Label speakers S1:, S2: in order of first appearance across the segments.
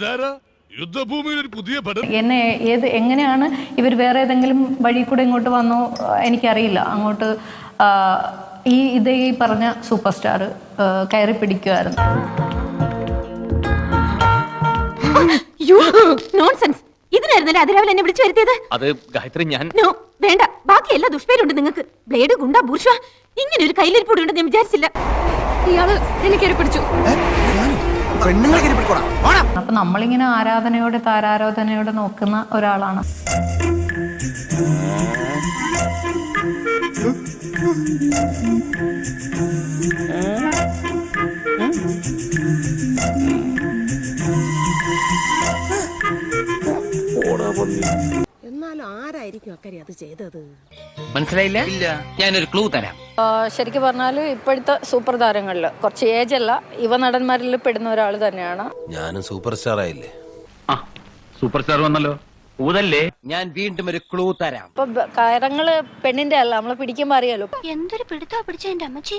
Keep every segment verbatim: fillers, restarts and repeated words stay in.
S1: യുദ്ധഭൂമിയിൽ ഒരു പുതിയ
S2: എന്നെ ഏത് എങ്ങനെയാണ് ഇവർ വേറെ ഏതെങ്കിലും വഴി കൂടെ ഇങ്ങോട്ട് വന്നോ എനിക്കറിയില്ല. അങ്ങോട്ട് ഈ ഇതേ ഈ പറഞ്ഞ സൂപ്പർ സ്റ്റാർ കയറി പിടിക്കുമായിരുന്നു.
S3: ഇതിനായിരുന്നല്ലേ അതിരാവിലെ എന്നെ വിളിച്ചു വരുത്തിയത്?
S4: അത് ഗായത്രി ഞാൻ
S3: വേണ്ട, ബാക്കി എല്ലാ ദുഷ്പേരുണ്ട് നിങ്ങൾക്ക്. ബ്ലേഡ്, ഗുണ്ട, ബൂർഷ്വ, ഇങ്ങനെ ഒരു കയ്യിലിരിപ്പൊടി ഉണ്ടെന്ന് ഞാൻ വിചാരിച്ചില്ല. ഇയാള് എന്നെ കയറി പിടിച്ചു.
S2: അപ്പൊ നമ്മളിങ്ങനെ ആരാധനയോടെ താരാരാധനയോടെ നോക്കുന്ന ഒരാളാണ്.
S5: എന്നാലും ആരായിരിക്കും അക്കരെ അത് ചെയ്തത്?
S4: മനസ്സിലായില്ല. ഇല്ല, ഞാനൊരു ക്ലൂ തരാം.
S2: ശരിക്കും പറഞ്ഞാല് ഇപ്പോഴത്തെ സൂപ്പർ താരങ്ങളില് കുറച്ച് ഏജ് അല്ല, യുവ നടന്മാരിൽ പെടുന്ന ഒരാൾ തന്നെയാണ്.
S6: ഞാനും സൂപ്പർ സ്റ്റാർ ആയില്ലേ?
S4: സൂപ്പർ സ്റ്റാർ വന്നല്ലോ. ഊതല്ലേ. ഞാൻ വീണ്ടും ഒരു ക്ലൂ തരാം.
S2: ഇപ്പൊ കയറങ്ങള് പെണ്ണിന്റെ അല്ല, നമ്മളെ പിടിക്കുമ്പോ അറിയാലോ.
S3: എന്തൊരു പിടുത്താ പിടിച്ച എന്റെ അമ്മച്ചി.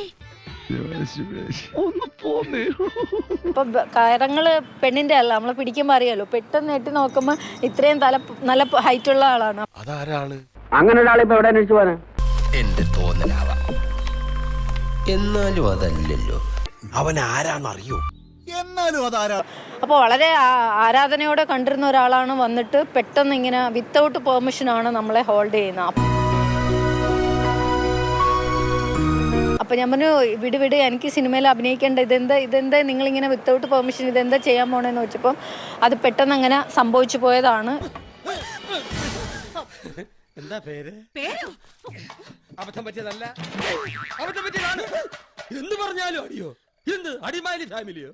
S2: ഇപ്പൊ കയറങ്ങള് പെണ്ണിന്റെ അല്ല, നമ്മളെ പിടിക്കുമ്പോ അറിയാലോ. പെട്ടെന്ന് എട്ടി നോക്കുമ്പോ ഇത്രയും തല നല്ല ഹൈറ്റ് ഉള്ള ആളാണ്.
S6: അതാരാള്?
S7: അങ്ങനെ ഒരാളിപ്പോ എവിടെ അന്വേഷിച്ചു പോവാന്?
S6: എന്റെ തോന്നലാവാം. എന്നാലും അതല്ലല്ലോ. അവൻ ആരാന്നറിയോ? എന്നാലും അതാരാ?
S2: അപ്പോൾ വളരെ ആരാധനയോടെ കണ്ടിരുന്ന ഒരാളാണ് വന്നിട്ട് പെട്ടെന്ന് ഇങ്ങനെ വിത്തൗട്ട് പെർമിഷനാണ് നമ്മളെ ഹോൾഡ് ചെയ്യുന്നത്. അപ്പം ഞാൻ പറഞ്ഞു, വിട് വിട്, എനിക്ക് സിനിമയിൽ അഭിനയിക്കേണ്ട, ഇതെന്താ ഇതെന്താ നിങ്ങളിങ്ങനെ വിത്തൗട്ട് പെർമിഷൻ ഇതെന്താ ചെയ്യാൻ പോണേന്ന് വെച്ചപ്പം അത് പെട്ടെന്ന് അങ്ങനെ സംഭവിച്ചു പോയതാണ്.
S6: എന്താ പേര്? അബദ്ധം പറ്റിയതല്ല, അബദ്ധം പറ്റിയതാണ്. എന്ത് പറഞ്ഞാലും അടിയോ? എന്ത് അടിമാലി ഫാമിലിയോ?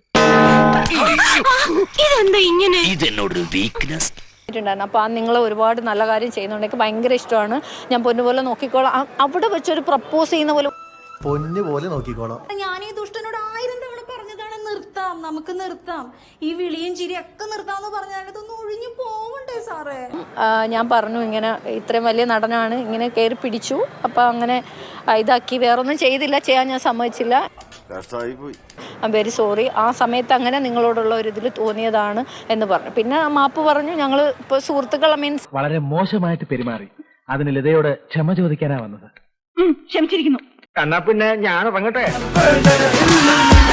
S3: ഇതെന്താ ഇങ്ങനെ?
S4: ഇതെന്നോടൊരു വീക്ക്നെസ്.
S2: അപ്പോൾ ആ നിങ്ങൾ ഒരുപാട് നല്ല കാര്യം ചെയ്യുന്നുണ്ട്, എനിക്ക് ഭയങ്കര ഇഷ്ടമാണ്, ഞാൻ പൊന്നുപോലെ നോക്കിക്കോളാം. അവിടെ വെച്ചൊരു പ്രപ്പോസ് ചെയ്യുന്ന പോലെ
S8: പൊന്നു പോലെ നോക്കിക്കോളാം.
S9: ഞാൻ ഈ ദുഷ്ടനോട് ആയിരം തവണ പറഞ്ഞതാണ്, നിർത്താം, നമുക്ക് നിർത്താം, ഈ വിളിയും ചിരിയൊക്കെ നിർത്താന്ന് പറഞ്ഞാൽ ഇതൊന്നും ഒഴിഞ്ഞു പോവണ്ടേ സാറേ?
S2: ഞാൻ പറഞ്ഞു ഇങ്ങനെ ഇത്രയും വലിയ നടനാണ്, ഇങ്ങനെ കയറി പിടിച്ചു, അപ്പം അങ്ങനെ ഇതാക്കി, വേറൊന്നും ചെയ്തില്ല, ചെയ്യാൻ ഞാൻ സമ്മതിച്ചില്ല. ഐ എം വെരി സോറി, ആ സമയത്ത് അങ്ങനെ നിങ്ങളോടുള്ള ഒരു ഇതിൽ തോന്നിയതാണ് എന്ന് പറഞ്ഞു. പിന്നെ മാപ്പ് പറഞ്ഞു. ഞങ്ങൾ ഇപ്പോൾ സുഹൃത്തുക്കൾ, മീൻസ്
S10: വളരെ മോശമായിട്ട് പെരുമാറി, അതിന് ലതയോട് ക്ഷമ ചോദിക്കാനാ വന്നത്.
S3: ക്ഷമിച്ചിരിക്കുന്നു.
S7: എന്നാ പിന്നെ ഞാൻ ഇറങ്ങട്ടെ.